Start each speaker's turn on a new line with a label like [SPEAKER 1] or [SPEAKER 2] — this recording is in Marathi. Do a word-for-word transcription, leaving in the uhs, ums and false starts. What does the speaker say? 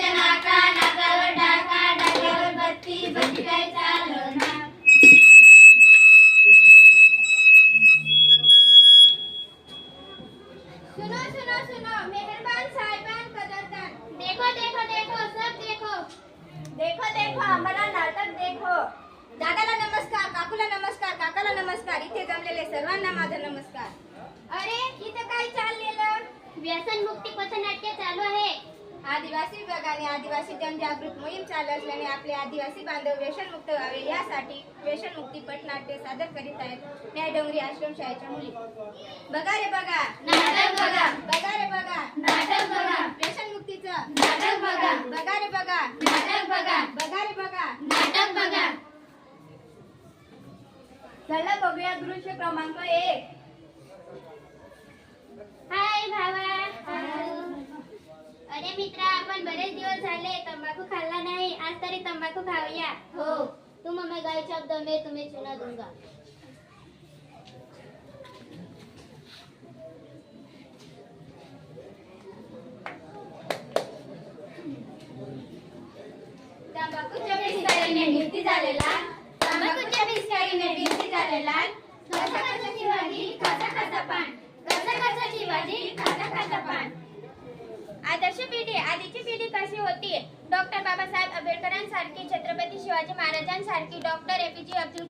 [SPEAKER 1] बत्तीच्या नाका नाकावर डाका डाक्यावर बत्ती बत्ती काय चालना. सुनो सुनो सुनो मेहरबान साहिबान कदरदान. देखो देखो देखो सब देखो. देखो देखो आम्हाला नाटक देखो. दादाला नमस्कार, काकूला नमस्कार, काकाला नमस्कार, इथे जमलेले सर्वांना माझा नमस्कार. अरे इथं काय चाललेलं?
[SPEAKER 2] व्यसन मुक्ती पथनाट्य चालू आहे.
[SPEAKER 1] आदिवासी विभागाने आदिवासी जनजागृत मोहीम चालू असल्याने आपले आदिवासी बांधव व्यसनमुक्त व्हावे यासाठी व्यसनमुक्ती पथनाट्य सादर करीत आहेत न्याय डोंगरी आश्रम शाळेच्या मुली. बघा रे बघा
[SPEAKER 2] नाटक बघा.
[SPEAKER 1] बघा रे बघा
[SPEAKER 2] नाटक बघा.
[SPEAKER 1] व्यसनमुक्तीचं
[SPEAKER 2] नाटक बघा.
[SPEAKER 1] बघा रे बघा
[SPEAKER 2] नाटक बघा.
[SPEAKER 1] बघा रे बघा
[SPEAKER 2] नाटक बघा.
[SPEAKER 1] चला बघूया दृश्य क्रमांक एक.
[SPEAKER 2] हाय भावा. अरे मित्रा, आपण बरेच दिवस झाले तंबाखू खाल्ला नाही. आज तरी तंबाखू खाऊया. हो, तुम हमें गाय शब्द में तुम्हें चुना दूंगा.
[SPEAKER 1] तंबाखूच्या पिचकारीने भिंती झालेला तंबाखूच्या पिचकारीने भिंती झालेला कसा कशाची भाजी खासा खासा पान कसा कशाची भाजी खासा खासा पान. आदर्श पिढी आधीची पिढी कशी होती? डॉक्टर बाबासाहेब आंबेडकरांसारखी, छत्रपती शिवाजी महाराजांसारखी, डॉक्टर एपीजे अब्दुल